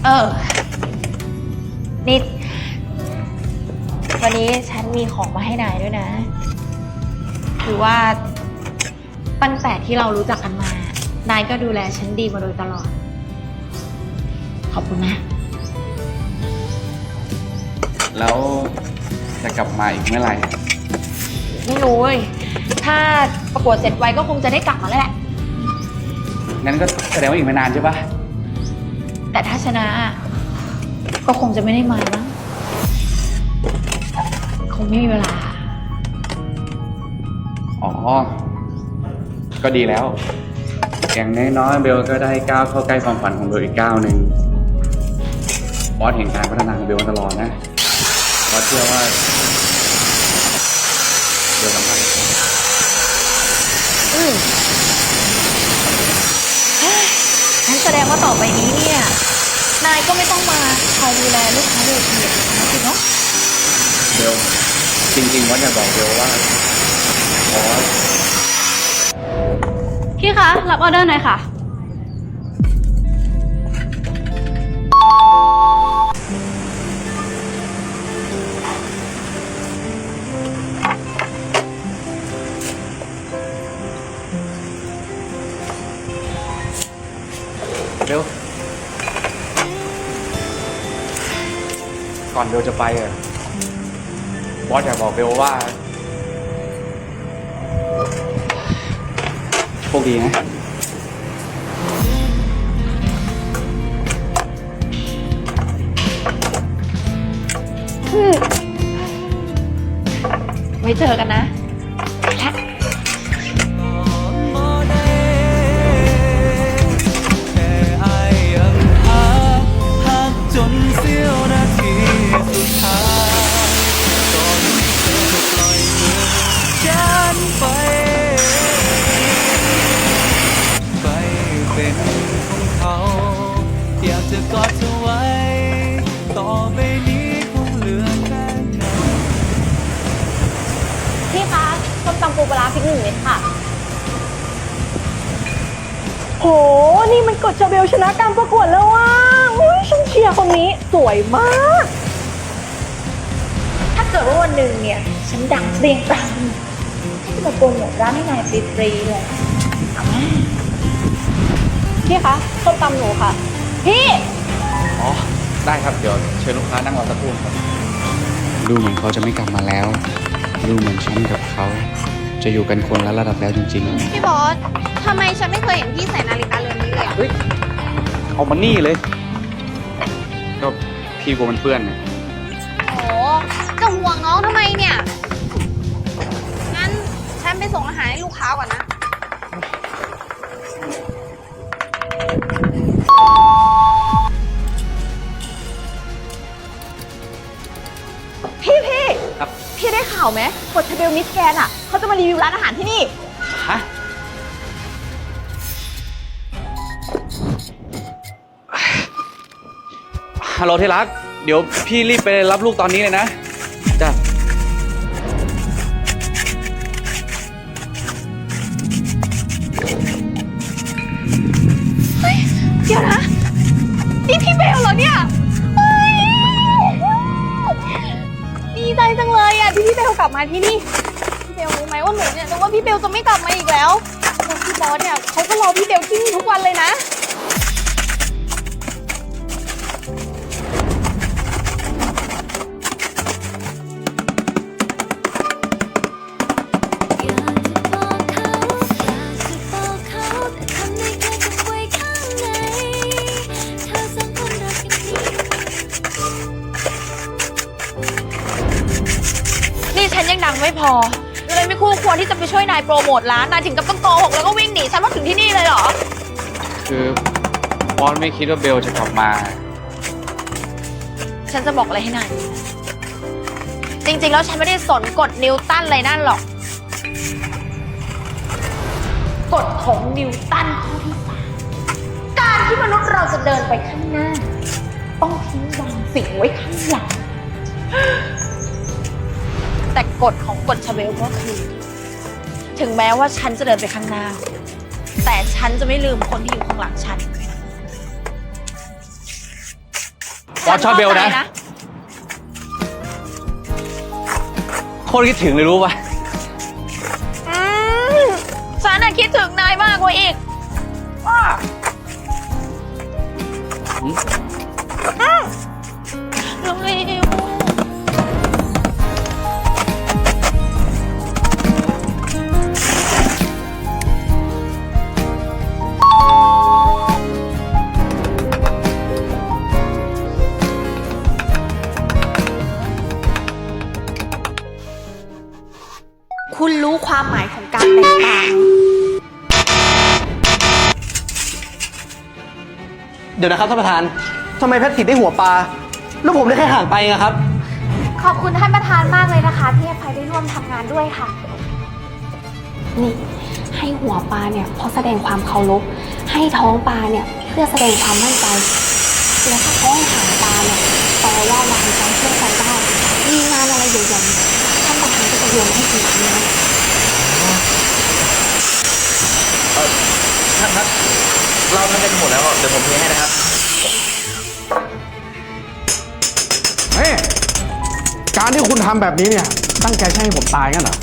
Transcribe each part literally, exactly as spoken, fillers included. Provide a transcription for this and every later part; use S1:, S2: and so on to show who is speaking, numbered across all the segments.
S1: เออนี่วันนี้ฉันมีของมาให้นายด้วยนะคือว่าตั้งแต่ที่เรารู้จักกันมานายก็ดูแลฉันดีมาโดยตลอดขอบคุณนะ
S2: แล้วจะกลับมาอีกเมื่อไหร่
S1: ไม่รู้เว้ยถ้าประกวดเสร็จไวก็คงจะได้กลับมาแล้วแหละ
S2: งั้นก็แสดงว่าอีกไม่นานใช่ปะ
S1: แต่ถ้าชนะก็คงจะไม่ได้มามั้งคงไม่มีเวลา
S2: อ๋อก็ดีแล้วอย่างน้อยๆเบลก็ได้ก้าวเข้าใกล้ความฝันของเบลอีกก้าวหนึ่งบอสเห็นการพัฒนาของเบลมาตลอดนะบอสเชื่อว่าเบลสำคัญ
S1: อืมงั้นแสดงว่าต่อไปนี้เนี่ยนายก็ไม่ต้องมาคอยดูแลลูกค้าเวทีนะสิเนาะ
S2: เบลจริงๆบอสอยากบอกเบลว่าบอส
S3: พี่คะรับออเดอร์หน่อยค่ะ
S2: เบลก่อนเบลจะไปอ่ะบอสอยากบอกเบลว่าโชคดีนะ
S1: ไว้เจอกันนะไปละ
S4: อยากจะกอดเธอไว้ต่อไปนี้คงเหลือแค่เงา
S3: พี่คะส้มตำปูปลาร้าพริกหนึ่งเม็ดค่ะ
S5: โหนี่มันกดชาเบลชนะการประกวดแล้วว่ะอุ้ยฉันเชียร์คนนี้สวยมาก
S1: ถ้าเกิดว่าวันหนึ่งเนี่ยฉันดังเปรี้ยงปร้างฉันจะมาโปรโมทร้านให้นายฟรีๆเลยเอาไหม
S3: พี่คะส้มตำหนูค่ะพี่
S2: อ๋อได้ครับเดี๋ยวเชิญลูกค้านั่งรอสักครู่ครับดูเหมือนเขาจะไม่กลับมาแล้วดูเหมือนฉันกับเขาจะอยู่กันคนละระดับแล้วจริงๆ
S3: พี่บอสทำไมฉันไม่เคยเห็นพี่ใส่นาฬิกาเรือนนี้เลยอ่ะ
S2: เฮ้ยเอามานี่เลยก็พี่กลัวมันเปื้อนเนี่ย
S3: โอ้จะห่วงน้องทำไมเนี่ยงั้นฉันไปส่งอาหารให้ลูกค้าก่อนนะ
S5: พี่พี่
S2: ครับ
S5: พี่ได้ข่าวไหมกดชาเบลมิสแกนอ่ะเขาจะมารีวิวร้านอาหารที่นี่
S2: ฮะฮัลโหลที่รักเดี๋ยวพี่รีบไปรับลูกตอนนี้เลยนะจ้ะ
S5: เฮ้ยเดี๋ยวนะนี่พี่เบลเหรอเนี่ยดีใจจังเลยอ่ะที่พี่เบลกลับมาที่นี่พี่เบลรู้ไหมว่าหนูเนี่ยนึกว่าพี่เบลจะไม่กลับมาอีกแล้วแล้วพี่บอสเนี่ยเขาก็รอพี่เบลที่นี่ทุกวันเลยนะ
S1: ฉันยังดังไม่พอเลยไม่คู่ควรที่จะไปช่วยนายโปรโมทร้านนายถึงกับต้องโกหกแล้วก็วิ่งหนีฉันว่าถึงที่นี่เลยเหรอ
S2: คือบอสไม่คิดว่าเบลจะกลับมา
S1: ฉันจะบอกอะไรให้นายจริงๆแล้วฉันไม่ได้สนกฎนิวตันอะไรนั่นหรอกกฎของนิวตันข้อที่สามการที่มนุษย์เราจะเดินไปข้างหน้าต้องทิ้งบางสิ่งไว้ข้างหลังแต่กฎของกฎชาเบลก็คือถึงแม้ว่าฉันจะเดินไปข้างหน้าแต่ฉันจะไม่ลืมคนที่อยู่ข้างหลังฉัน
S2: บอสชอบเบลนะ
S1: ฉั
S2: โคตรคิดถึงเลยรู้ป่ะ
S1: อืมฉันน่ะคิดถึงนายมากกว่าอีกว้าอืมเร็วคุณรู้ความหมายของการแต่งตา
S6: เดี๋ยวนะครับท่านประธานทำไมแพทริกได้หัวปลาแล้วผมได้แค่ห่างไปอะครับ
S5: ขอบคุณท่านประธานมากเลยนะคะ ที่ให้ไฟได้ร่วมทำงานด้วยค่ะ นี่ให้หัวปลาเนี่ยเพราะแสดงความเคารพให้ท้องปลาเนี่ยเพื่อแสดงความมั่นใจแล้วถ้าท้องหางปลาเนี่ยแปลว่าวางใจเชื่อใจได้มีงานอะไรใหญ่ๆท่านประธานก็จะโยนให้ทีนี้นะ
S6: ท่านครับเราทำกันหมดแล้วเดี๋ยวผมเทให้นะครับ
S7: เฮ้ยการที่คุณทำแบบนี้เนี่ยตั้งใจให้ผมตายงั้นเหรอ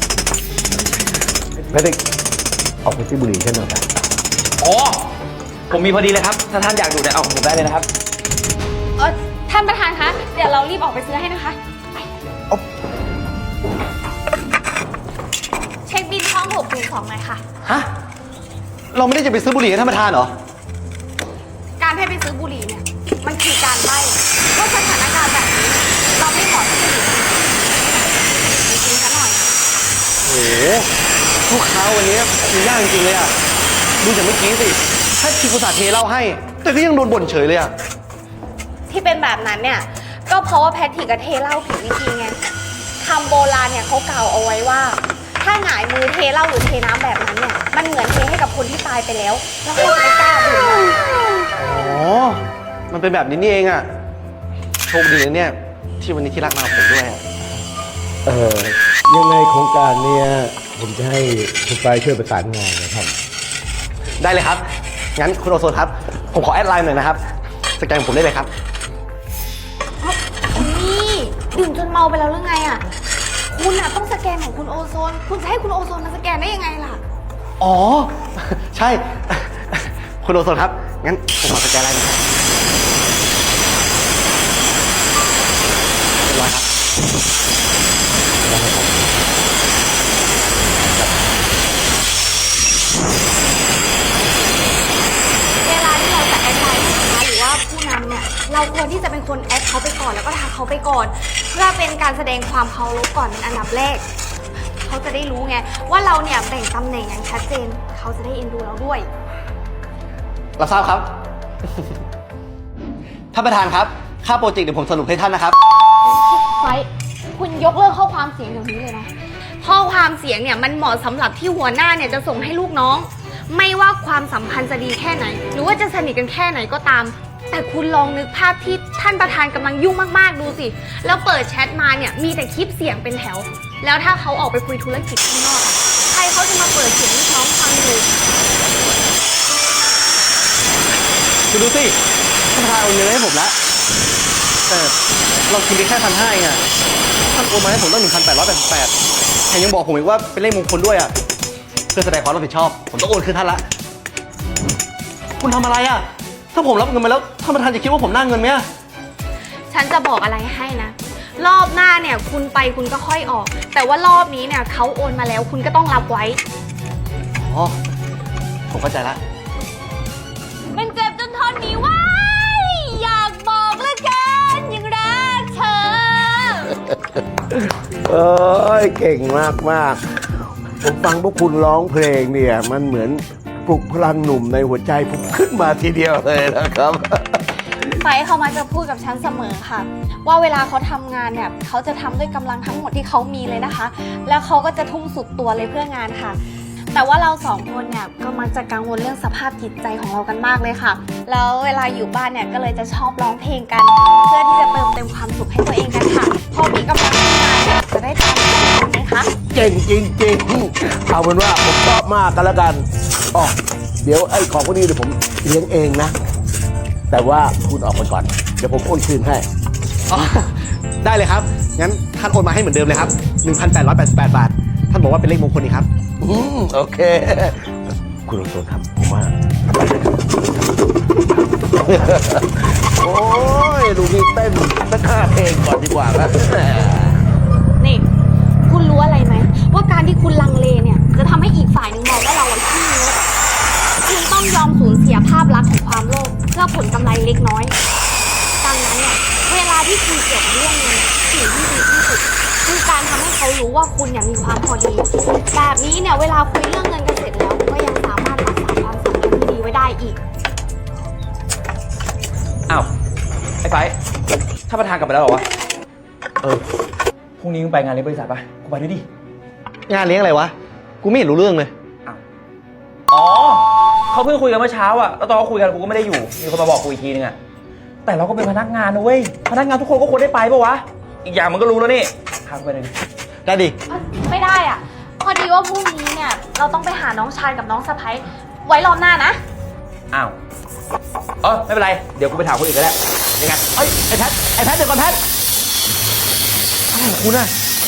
S8: แพทริกออกไปซื้อบุหรี่ฉันหน่อยนะ
S6: อ๋อผมมีพอดีเลยครับถ้าท่านอยากดูเนี่ยเอาของผมได้เลยนะครับ
S5: เออท่านประธานคะเดี๋ยวเรารีบออกไปซื้อให้นะคะเช็คบินห้องหกหนึ่งสองหน่อยค่ะ
S6: ฮะเราไม่ได้จะไปซื้อบุหรี่ให้ท่านประธานเหรอ
S5: การให้ไปซื้อบุหรี่เนี่ยมันคือการไล่เพราะสถานการณ์แบบนี้เราไม่เหมาะที่จะอยู่จริงๆซะหน่อย
S6: โอ้โหลูกค้าวันนี้มียากจริงๆเลยอ่ะดูจากเมื่อกี้สิถ้าคิวกุศาเทเหล้าให้ แต่ก็ยังโดนบ่นเฉยเลยอ่ะ
S5: ที่เป็นแบบนั้นเนี่ยก็เพราะว่าแพทริกกับเทเหล้าผิดวิธีไงคำโบราณเนี่ยเขากล่าวเอาไว้ว่า ถ้าหงายมือเทเหล้าหรือเทน้ำแบบนั้นเนี่ยมันเหมือนเทให้กับคนที่ตายไปแล้วแล้วใครจะไปกล้าดื่ม
S6: อ๋อ มันเป็นแบบนี้นี่เองอ่ะ โชคดีนะเนี่ย ที่วันนี้ที่รักมากับผมด้วยอะ
S8: เออยังไงโครงการเนี้ยผมจะให้คุณไปช่วยประสานงานนะครับ
S6: ได้เลยครับ งั้นคุณโอโซนครับ ผมขอแอดไลน์หน่อยนะครับ สแกนผมได้เลยครับ
S5: นี่ดื่มจนเมาไปแล้วหรือไงอ่ะคุณอ่ะต้องสแกนของคุณโอโซน คุณจะให้คุณโอโซนมาสแกนได้ยังไงล่ะ
S6: อ๋อ ใช่ คุณโอโซนครับ งั้นผมขอสแกนไลน์หน่อยครับเรียบร้อยครับ
S5: เวลาที่เราจะแอดไลน์ลูกค้าหรือว่าผู้นำเนี่ยเราควรที่จะเป็นคนแอดเขาไปก่อนแล้วก็ทักเขาไปก่อน เพื่อเป็นการแสดงความเคารพก่อนเป็นอันดับแรก เขาจะได้รู้ไงว่าเราเนี่ยแบ่งตำแหน่งอย่างชัดเจน เขาจะได้เอ็นดูเราด้วย
S6: รับทราบครับ ท่านประธานครับ ค่าโปรเจกต์เดี๋ยวผมสรุปให้ท่านนะครับ
S5: ไฟคุณยกเลิกข้อความเสียงเดี๋ยวนี้เลยนะ ข้อความเสียงเนี่ยมันเหมาะสำหรับที่หัวหน้าเนี่ยจะส่งให้ลูกน้อง ไม่ว่าความสัมพันธ์จะดีแค่ไหน หรือว่าจะสนิทกันแค่ไหนก็ตาม แต่คุณลองนึกภาพที่ท่านประธานกำลังยุ่งมากๆดูสิ แล้วเปิดแชทมาเนี่ยมีแต่คลิปเสียงเป็นแถว แล้วถ้าเขาออกไปคุยธุรกิจข้างนอกอะใครเขาจะมาเปิดเสียงลูกน้องฟังอยู่
S6: คุณดูสิ ท่านประธานเอาเงินมาให้ผมแล้วแต่เราคิดไปแค่พันห้าเองอะท่านโอนมาให้ผมตั้งหนึ่งพันแปดร้อยแปดสิบแปดแถมยังบอกผมอีกว่าเป็นเลขมงคลด้วยอะเพื่อแสดงความรับผิดชอบ ผมต้องโอนคืนท่านละ คุณทำอะไรอะถ้าผมรับเงินมาแล้วท่านประธานจะคิดว่าผมน่าเงินไหมอะ
S5: ฉันจะบอกอะไรให้นะ รอบหน้าเนี่ยคุณไปคุณก็ค่อยออก แต่ว่ารอบนี้เนี่ยเขาโอนมาแล้วคุณก็ต้องรับไว้
S6: อ๋อ ผมเข้าใจละ
S5: มันเจ็บจนทนไม่ไหวอยากบอกเหลือเกินยังรักเธอ
S8: เอ้ยเก่งมากมากๆผมฟังพวกคุณร้องเพลงเนี่ย มันเหมือนปลุกพลังหนุ่มในหัวใจผมขึ้นมาทีเดียวเลยนะครับ
S5: ไฟเขามาจะพูดกับฉันเสมอค่ะ ว่าเวลาเขาทำงานเนี่ยเขาจะทำด้วยกำลังทั้งหมดที่เขามีเลยนะคะ แล้วเขาก็จะทุ่มสุดตัวเลยเพื่องานค่ะ แต่ว่าเราสองคนเนี่ยก็มักจะกังวลเรื่องสภาพจิตใจของเรากันมากเลยค่ะ แล้วเวลาอยู่บ้านเนี่ยก็เลยจะชอบร้องเพลงกัน เพื่อที่จะเติมเต็มความสุขให้ตัวเองกันค่ะ พอมีกำลังทำงานเนี่ยจะได้ตามใจไหมคะ
S8: เก่งจริงๆ เอาเป็นว่าผมชอบมากกันแล้วกันอ๋อเดี๋ยวไอ้ของพวกนี้เดี๋ยวผมเลี้ยงเองนะแต่ว่าคุณออกไปก่อน เดี๋ยวผมโอนคืนให้
S6: อ๋อ ได้เลยครับ งั้นท่านโอนมาให้เหมือนเดิมเลยครับ หนึ่งพันแปดร้อยแปดสิบแปด บาท ท่านบอกว่าเป็นเลขมงคลนี่ครับ
S8: อืมโอเค คุณลงตัวครับผมว่า โอ้ยดูนี่เต้นสักห้าเพลงก่อนดีกว่าครับ
S5: นี่ คุณรู้อะไรไหม ว่าการที่คุณลังเลเนี่ย จะทำให้อีกฝ่ายหนึ่งมองว่าเราอะขี้งกคุณต้องยอมสูญเสียภาพลักษณ์ของความโลภเพื่อผลกำไรเล็กน้อย ดังนั้นเนี่ย เวลาที่คุยเกี่ยวกับเรื่องเงินสิ่งที่ดีที่สุดคือการทำให้เขารู้ว่าคุณเนี่ยมีความพอดี แบบนี้เนี่ยเวลาคุยเรื่องเงินกันเสร็จแล้ว ก็ยังสามารถรักษาความสัมพันธ์ที่ดีไว้ได้อีก
S9: อ้าว ไอ้ไฟถ้านประธานกลับไปแล้วเหรอวะ
S6: เออ
S9: พรุ่งนี้มึงไปงานเลี้ยงบริษัทปะกูไปด้วยดิ
S6: งานเลี้ยงอะไรวะ กูไม่เห็นรู้เรื่องเลย
S9: อ๋อ เขาเพิ่งคุยกันเมื่อเช้าอะแล้วตอนเขาคุยกันกูก็ไม่ได้อยู่ มีคนมาบอกกูอีกทีนึงอะแต่เราก็เป็นพนักงานนะเว้ย พนักงานทุกคนก็ควรได้ไปปะวะ อีกอย่างมันก็รู้แล้วนี่พากูไปเลยดิ
S6: ได้ดิ
S5: ไม่ได้อ่ะ พอดีว่าพรุ่งนี้เนี่ย เราต้องไปหาน้องชายกับน้องสะใภ้ไว้รอบหน้านะ
S9: อ้าว เออไม่เป็นไร เดี๋ยวกูไปถามคนอื่นก็ได้ยังไงเอ้ย ไอ้แพท ไอ้แพทเดี๋ยวก่อนแพทอะไรของคุณอะ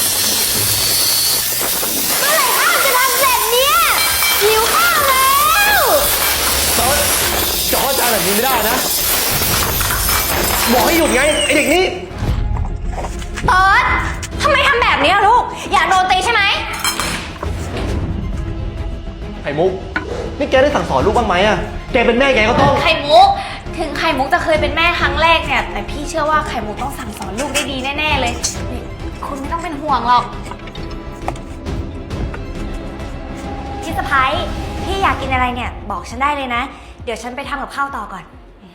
S5: เมื่อไหร่ข้าวจะทำเสร็จเนี่ยหิวข้าวแล้ว
S6: จอร์จจอร์จจะแบบนี้ไม่ได้นะ บอกให้หยุดไง ไอเด็กนี่
S5: เอิร์ธทำไมทำแบบนี้ล่ะลูก อยากโดนตีใช่ไหม
S6: ไข่มุก นี่แกได้สั่งสอนลูกบ้างไหมอะแกเป็นแม่แกก็ต้อง
S5: ไข่มุก ถึงไข่มุกจะเคยเป็นแม่ครั้งแรกเนี่ย แต่พี่เชื่อว่าไข่มุกต้องสั่งสอนลูกได้ดีแน่ๆเลยนี่คุณไม่ต้องเป็นห่วงหรอก
S10: พี่สะพ้ายพี่อยากกินอะไรเนี่ยบอกฉันได้เลยนะ เดี๋ยวฉันไปทำกับข้าวต่อก่อน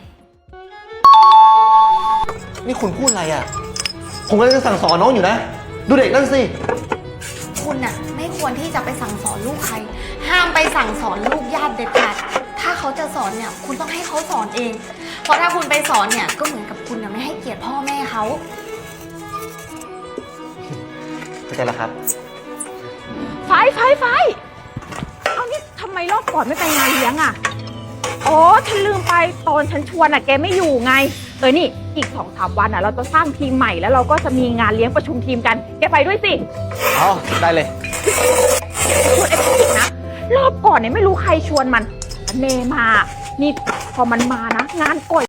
S6: นี่คุณพูดอะไรอะผมกำลังจะสั่งสอนน้องอยู่นะ ดูเด็กนั่นสิ
S5: คุณน่ะไม่ควรที่จะไปสั่งสอนลูกใคร ห้ามไปสั่งสอนลูกญาติเด็ดขาด ถ้าเขาจะสอนเนี่ย คุณต้องให้เขาสอนเอง เพราะถ้าคุณไปสอนเนี่ยก็เหมือนกับคุณน่ะไม่ให้เกียรติพ่อแม่เขา
S6: เข้าใจแล้วครับ
S11: ไฟไฟไฟเอานี่ทำไมรอบก่อนไม่ไปงานเลี้ยงอ่ะอ๋อฉันลืมไปตอนฉันชวนอ่ะแกไม่อยู่ไงเออนี่อีกสองสามวันอ่ะเราจะสร้างทีมใหม่แล้วเราก็จะมีงานเลี้ยงประชุมทีมกันแกไปด้วยสิ
S6: อ๋อ ได้เลย
S11: ชวนไอ้พวกอีกนะรอบก่อนเนี่ยไม่รู้ใครชวนมันเนมานี่พอมันมานะงานก่อย